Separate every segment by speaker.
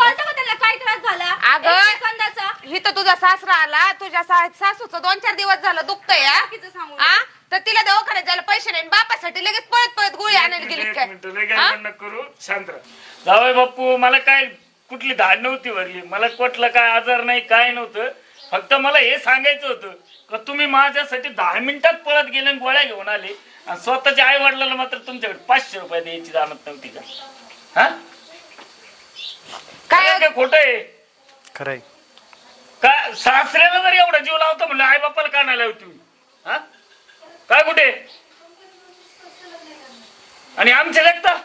Speaker 1: कळतं का त्याला काय त्रास झाला?
Speaker 2: अगं,
Speaker 1: 1 सेकंदाचा.
Speaker 2: इथं तुझा सासरा आला, तुझ्या सासूचं 2-4 दिवस झालं दुखतंय
Speaker 1: बाकीचं सांगू
Speaker 2: हा? तर तिला दवाखान्यात जायला पैसे नाही, बापासाठी लगेच पळत पळत गोळी आणायला गेली
Speaker 3: एक
Speaker 2: काय?
Speaker 3: मिनिट लय गडबड नको करू, शांत राहा. जावई बापू, मला काय कुठली धाड नव्हती वरली, मला कुठला काय आजार नाही, काय नव्हतं. फक्त मला हे सांगायचं होतं का तुम्ही माझ्यासाठी 10 मिनिटात पळत गेले आणि गोळ्या घेऊन आले आणि स्वतःच्या आई वडिलांना मात्र तुमच्याकडे 500 रुपये द्यायची जाणत नव्हती का? हा काय खोट आहे
Speaker 4: खरंय.
Speaker 3: का? सासऱ्याला जर एवढा जीव लावतो म्हणलं आई बापाला का नाही लावती? हा काय कुठे आणि आमचे लेखता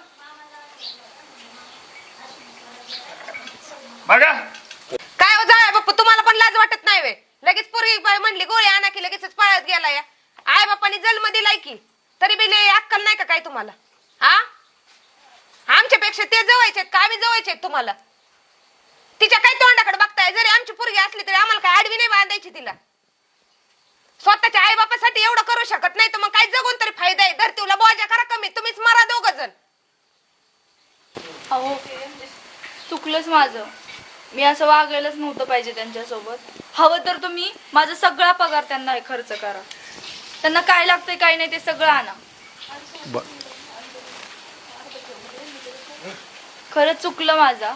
Speaker 3: बघा.
Speaker 2: काय हो जाय बाप्पा, तुम्हाला पण लाज वाटत नाही वे? लगेच पोरगी म्हणली गोळी आणा की लगेच पळत गेला या. आई बापाने जन्म दिलाय की तरी बी लय अक्कल नाही का काय तुम्हाला? हा, आमच्यापेक्षा ते जवळचे का आम्ही जवळचे तुम्हाला? तिच्या काय तोंडाकडे बघताय? जरी आमची पोरगी असली तरी आम्हाला काय आडवी नाही बांधायची तिला. स्वतःच्या आई बापासाठी एवढं करू शकत नाही तर मग काय जगून तरी फायदा आहे? धरतीला बोजा करा कमी, तुम्हीच मारा 2 जण.
Speaker 1: अहो चुकलंच माझं, मी असं वागायलाच नव्हतं पाहिजे त्यांच्यासोबत. हवं तर तुम्ही माझा सगळा पगार त्यांना खर्च करा, त्यांना काय लागतंय काय नाही ते सगळं आणा. खरंच चुकलं माझा.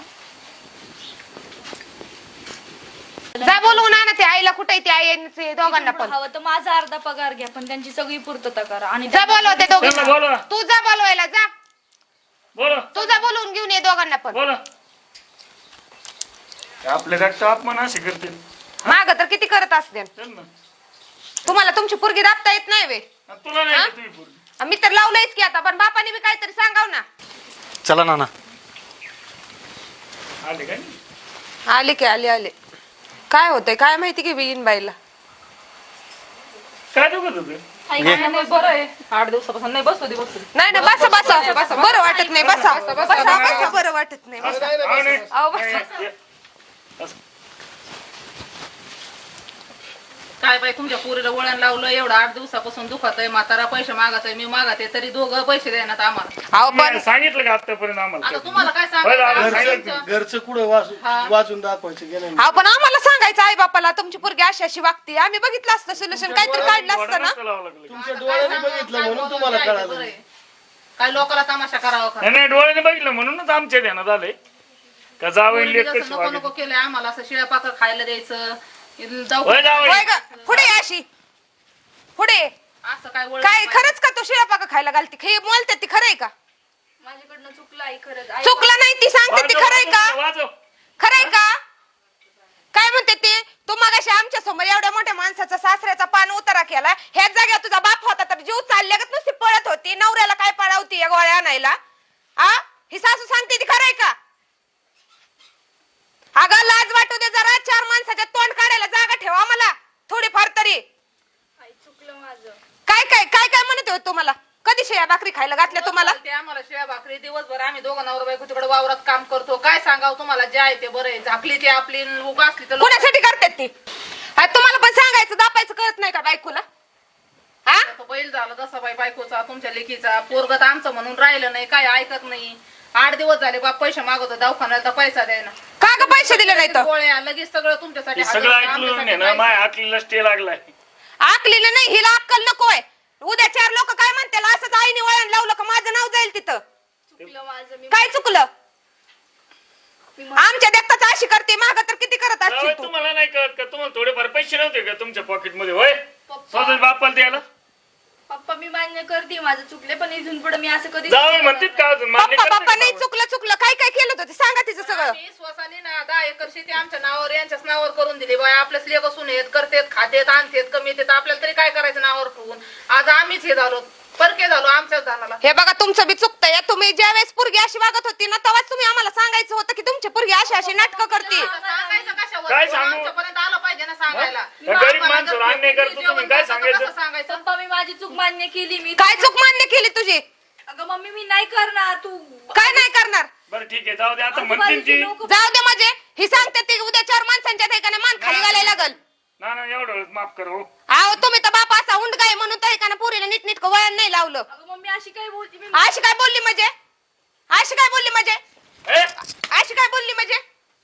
Speaker 2: जा बोलवून आणा ते आईला. कुठे ते आई दोघांना पण?
Speaker 1: हवं तर माझा अर्धा पगार घ्या पण त्यांची सगळी पूर्तता करा. आणि
Speaker 2: जा बोलव ते
Speaker 3: त्यांना
Speaker 2: दोघांना.
Speaker 3: बोलवा.
Speaker 2: तू जा बोलवायला जा,
Speaker 3: बोला
Speaker 2: तू जा बोलवून घेऊन ये दोघांना पण.
Speaker 3: बोला. आपले रक्त अपमान असे करते.
Speaker 2: माग तर किती करत असते.
Speaker 3: चल ना.
Speaker 2: तुम्हाला तुमची पोरगी दाबता येत नाही वे?
Speaker 3: आणि तुला नाही
Speaker 2: हा?
Speaker 3: का तुझी पोरगी?
Speaker 2: मी तर लावलंयच की आता, पण बापाने बी काहीतरी सांगाव ना.
Speaker 4: चला नाना.
Speaker 3: आले काय?
Speaker 2: आले की आले. काय होतंय काय माहिती की बिन बाईला.
Speaker 3: काय दुखत होतं?
Speaker 5: बरं आहे 8 दिवसापासून नाही. बसू दे
Speaker 2: नाही ना, बसा बरं वाटत नाही. बसा बरं वाटत नाही. बसा. अहो, बसा.
Speaker 5: काय बाई तुमच्या पोरीला वळण लावलं एवढं 8 दिवसापासून दुखत आहे. म्हातारा पैसे मागत आहे, मी मागत आहे तरी दोघं पैसे देण्यात आम्हाला.
Speaker 2: अहो पण
Speaker 3: सांगितलं का आतापर्यंत आम्हाला?
Speaker 5: आता तुम्हाला काय
Speaker 3: बरं, आता
Speaker 5: सांगायचं?
Speaker 3: सांगितलं.
Speaker 6: घरचं कुठं वाचून दाखवायचं गेलं
Speaker 2: अहो पण आम्हाला सांगायचं आई बापाला तुमची पोरगी अशी अशी वागते. आम्ही बघितलं असतं सोल्युशन, काहीतरी काढलं असतं ना.
Speaker 3: लावावं लागलं.
Speaker 6: तुमच्या डोळ्याने बघितलं म्हणून तुम्हाला कळालं.
Speaker 5: काय लोकांना तमाशा करावा का?
Speaker 3: नाही डोळ्याने बघितलं म्हणूनच आमच्या ध्यानात आलंय का जावं
Speaker 5: पोरीने जसं नको नको केलंय आम्हाला, असं शिळ्या पाकर खायला द्यायचं. जाऊ
Speaker 2: होय ग, पुढे ये अशी पुढे.
Speaker 5: असं काय वळण
Speaker 2: काय खरंच का तू शिळा पाका खायला घालते? हे बोलते ती खरंय का?
Speaker 1: माझ्याकडनं चुकलं आई, खरंच आई.
Speaker 2: चुकलं नाही ती सांगते ती खरंय का?
Speaker 3: वाजव.
Speaker 2: खरंय का? काय म्हणते ते? तू मगाशी आमच्या समोर एवढ्या मोठ्या माणसाचा सासऱ्याचा पान उतारा केला. ह्याच जागेवर तुझा बाप होता तर जीव चालल्यागत नुसती पळत होती. नवऱ्याला काय पळावती या गोळ्या आणायला? आ ही सासू सांगते ती खरंय का? अगं लाज वाटू दे जरा. 4 माणसाच्या तोंड काढायला जागा ठेवा मला थोडीफार तरी.
Speaker 1: आई चुकलं माझं.
Speaker 2: काय काय काय काय म्हणत होते तुम्हाला? कधी शेया भाकरी खायला घातल्या तुम्हाला?
Speaker 5: ते आम्हाला शिळ्या भाकरी दिवसभर आम्ही दोघं नवरा बायको तिकडे वावरात काम करतो. काय सांगावं तुम्हाला, जे आहे ते बरं आहे. झाकली ती आपली उगा असली तर
Speaker 2: कोणासाठी करतात ती? तुम्हाला पण सांगायचं दापायचं कळत नाही का बायकोला? हा
Speaker 5: तो बैल झाला तसा बाई बायकोचा, तुमच्या लेकीचा. पोरगत आमचं म्हणून राहिलं नाही, काय ऐकत नाही. 8 दिवस झाले बाप पैसे मागवतो दवाखान्यात, पैसा द्यायना.
Speaker 2: का ग पैसे दिले नाही तर?
Speaker 5: गोळ्या लगेच सगळं तुमच्यासाठी
Speaker 3: हे सगळं
Speaker 5: हजर,
Speaker 3: ऐकलं
Speaker 5: आमच्यासाठी
Speaker 3: ना
Speaker 5: पैसे.
Speaker 3: माय हाकलीला स्टे लागलाय.
Speaker 2: आकलीला नाही, हिला अक्कल नकोय. उद्या 4 लोक काय म्हणतील? असंच आईने वळण लावलं का माझं नाव जाईल तिथं.
Speaker 1: चुकलं माझं. मी
Speaker 2: काय चुकलं? आमच्या देखताच अशी करते, माग तर किती करत असशील
Speaker 3: जावई,
Speaker 2: तू.
Speaker 3: तुम्हाला नाही कळत का? तुम्हाला थोडेफार पैसे नव्हते का तुमच्या पॉकेट मध्ये? होय स्वतः बापाला द्यायला
Speaker 1: पप्पा मी मान्य करते माझं चुकले, पण इथून पुढे मी असं कधी
Speaker 3: जावई म्हणतात का अजून? मान्य
Speaker 2: पप्पा
Speaker 3: करते
Speaker 2: पप्पा
Speaker 3: का
Speaker 2: नाही
Speaker 3: जावई?
Speaker 2: चुकलं काय काय केलं होतं ते सांगा तिचं सगळं.
Speaker 5: आम्ही स्वसाने ना 10 एकर शेती आमच्या नावावर यांच्याच नावावर करून दिली. बाय आपल्याच लेख असून येत करतेत, खातेत, आणतेत, कमी येतात. आपल्याला तरी काय करायचं नावावर ठेवून? आज आम्हीच हे झालो, परके झालो आमच्याच धानाला.
Speaker 2: हे बघा तुमचं बी चुकतंय. तुम्ही ज्या वेळेस पोरगी अशी वागत होती ना तेव्हाच तुम्ही आम्हाला सांगायचं होतं की तुमची पोरगी अशी अशी नाटकं करते.
Speaker 5: सांगायचं कशावर?
Speaker 3: काय सांगू?
Speaker 5: आमच्यापर्यंत आलं पाहिजे ना सांगायला.
Speaker 3: त्या गरीब माणसाला अन्याय करतो तुम्ही, काय सांगायचं?
Speaker 5: कसं सांगायचं?
Speaker 1: पप्पा मी माझी चूक मान्य केली. मी
Speaker 2: काय चूक मान्य केली तुझी?
Speaker 1: अगं मम्मी मी नाही करणार. तू
Speaker 2: काय नाही करणार?
Speaker 3: बरं ठीक आहे जाऊ दे. आता म्हणतील ती
Speaker 2: जाऊ दे म्हणजे ही सांगते ती उद्या 4 माणसांच्या ठिकाणी मान खाली घालायला लागल.
Speaker 3: ना ना एवढं वेळेस माफ करू.
Speaker 2: अहो तुम्ही तर बाप असा उंड काय म्हणून तर एकाने पोरीला नीटनीटकं वळण नाही लावलं.
Speaker 1: अगं मम्मी अशी काय बोलती? मी
Speaker 2: अशी काय बोलली म्हणजे? अशी काय बोलली म्हणजे?
Speaker 3: ए,
Speaker 2: अशी काय बोलली म्हणजे?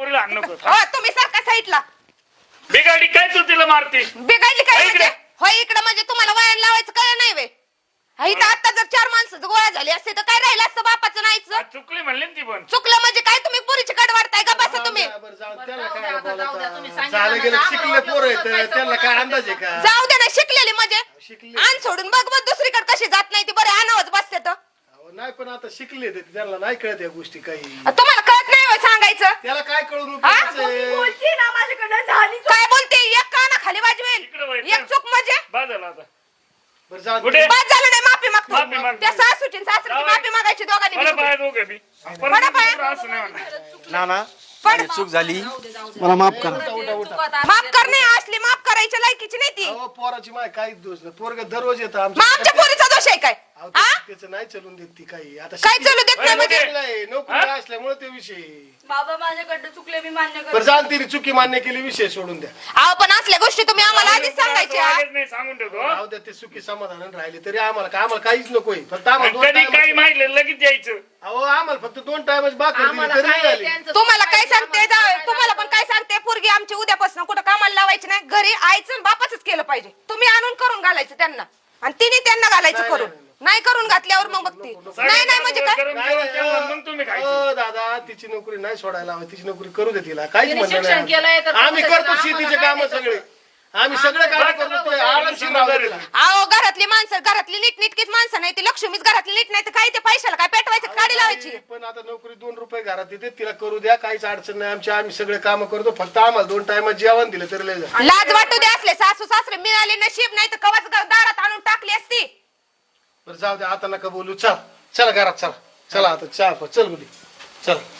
Speaker 3: पोरीला हाण नको
Speaker 2: हो तुम्ही सारखा साईडला
Speaker 3: बिगाडी काय तू तिला मारते
Speaker 2: बिघडली काय
Speaker 3: इकडे.
Speaker 2: म्हणजे होय इकडे म्हणजे तुम्हाला वळण लावायचं काय नाही वे इथं आता जर 4 माणसं गोळा झाली असते तर काय राहिलं असतं बापाचं नाहीच
Speaker 3: चुकली म्हणली ना ती पण
Speaker 2: चुकलं म्हणजे काय तुम्ही पुरीची कड वाढताय का बसा तुम्ही
Speaker 6: बरं, त्याला
Speaker 5: जाऊ
Speaker 6: काय
Speaker 5: द्या, आता जाऊ द्या, तुम्ही
Speaker 6: बोलता
Speaker 5: सांगितलं
Speaker 6: झालं
Speaker 5: ना,
Speaker 6: गेलं
Speaker 5: आम्हाला
Speaker 6: शिकले पोरं
Speaker 5: वाटलं
Speaker 6: आहेत त्यांना काय अंदाज आहे का
Speaker 2: जाऊ दे ना शिकलेली म्हणजे
Speaker 6: शिकले
Speaker 2: आण सोडून बघ बघ दुसरीकडे कशी जात नाही ती बरे आणावच बसते तर
Speaker 6: अहो, नाही पण आता शिकले ते त्यांना नाही कळत या गोष्टी काही
Speaker 2: तुम्हाला कळत नाही होय सांगायचं
Speaker 6: त्याला काय कळून
Speaker 2: हा?
Speaker 6: उपयोगाचं आहे?
Speaker 1: बोलती ना माझ्याकडनं झाली
Speaker 2: काय बोलते एक काना खाली
Speaker 3: इकडे
Speaker 2: वाजवेल
Speaker 3: वळ.
Speaker 2: एक चूक म्हणजे
Speaker 3: बाद झाला आता
Speaker 6: बरं जाऊ
Speaker 3: कुठे?
Speaker 6: दे.
Speaker 2: बाद झालं नाही माफी
Speaker 3: माफी
Speaker 2: मागतो
Speaker 3: मागतो.
Speaker 2: त्या सासूची सासरीची
Speaker 3: जाऊ.
Speaker 2: माफी मागायची दोघांनी
Speaker 3: मला
Speaker 2: मिळून.
Speaker 3: पाय दोघे बी
Speaker 2: बरं पाय.
Speaker 3: असं नाही म्हणणार.
Speaker 4: नाना
Speaker 2: पण
Speaker 4: माझी चूक झाली मला माफ करा
Speaker 2: माफ करणे असली माफ करायच्या लायकीची नाही ती
Speaker 6: अहो, पोराची माय काहीच दोष नाही पोरग दररोज येतं
Speaker 2: मग आमच्या पोरीचा दोष आहे काय
Speaker 6: अहो,
Speaker 2: हा
Speaker 6: त्याचं नाही चलून देत ती काही आता
Speaker 2: काय चालू देत नाही म्हणजे
Speaker 6: शिकलेलं नोकरी असल्यामुळे ते विषय
Speaker 1: बाबा माझ्याकडनं चुकले मी मान्य
Speaker 6: बरं
Speaker 1: करते
Speaker 6: जाण तिने चुकी मान्य केली विषय सोडून द्या
Speaker 2: अहो पण असल्या गोष्टी तुम्ही आम्हाला आधीच सांगायच्या
Speaker 3: वागत नाही सांगून ठेवतो
Speaker 6: राहू द्या ते चुकी समाधान राहिले तरी आम्हाला काहीच नकोय फक्त आम्हाला दोन
Speaker 3: कधी
Speaker 6: time-
Speaker 3: काही माहिती लगेच यायचं
Speaker 6: अहो आम्हाला फक्त 2 टाइमच बाकी
Speaker 5: आम्हाला
Speaker 6: तरी
Speaker 5: काय
Speaker 6: झाली
Speaker 5: त्यांचं
Speaker 2: तुम्हाला काय
Speaker 5: चुकायचं,
Speaker 2: सांगते
Speaker 5: आम्हाला
Speaker 2: जाऊ तुम्हाला पण काय सांगते पोरगी आमची उद्यापासून कुठं कामाला लावायची नाही घरी आईचं बापाच केलं पाहिजे तुम्ही आणून करून घालायचं त्यांना आणि तिने त्यांना घालायचं
Speaker 6: नाही,
Speaker 2: करून
Speaker 6: नाही,
Speaker 2: नाही करून घातल्यावर मग बघते नाही नाही म्हणजे काय
Speaker 3: गरम जेवण केलं, मग तुम्ही खायचं
Speaker 6: अहो, दादा तिची नोकरी नाही सोडायला हवी तिची नोकरी करू दे तिला काहीच
Speaker 5: तिने
Speaker 6: म्हणणं
Speaker 5: शिक्षण केलंय तर
Speaker 6: नाही आम्ही
Speaker 5: करू दे
Speaker 6: करतो
Speaker 5: तिला.
Speaker 6: शेतीचे
Speaker 5: आम्हाला
Speaker 6: काम
Speaker 5: काय
Speaker 6: सगळे आम्ही सगळे काम
Speaker 5: आम्हाला
Speaker 6: करतो
Speaker 5: सगळं
Speaker 6: ते आरामशीर राहू दे तिला.
Speaker 2: अहो घरातली माणसं घरातली नीटनीटकीच माणसं नाही ती लक्ष्मीच घरातली नीट नाही तर काय ते पैशाला काय पेटवायचं काढी लावायची
Speaker 6: पण आता नोकरी 2 रुपये घरात येते तिला करू द्या काहीच अडचण नाही आम्ही सगळे काम करतो फक्त आम्हाला 2 टाइमात जेवण दिलं तरी लय झालं.
Speaker 2: लाज वाटू दे असले सासू सासरे मिळाले नशीब नाही तर कवाच दारात आणून टाकली असती
Speaker 6: बरं जाऊ द्या आता नका बोलू चला घरात चला आता चहा चल बोली चल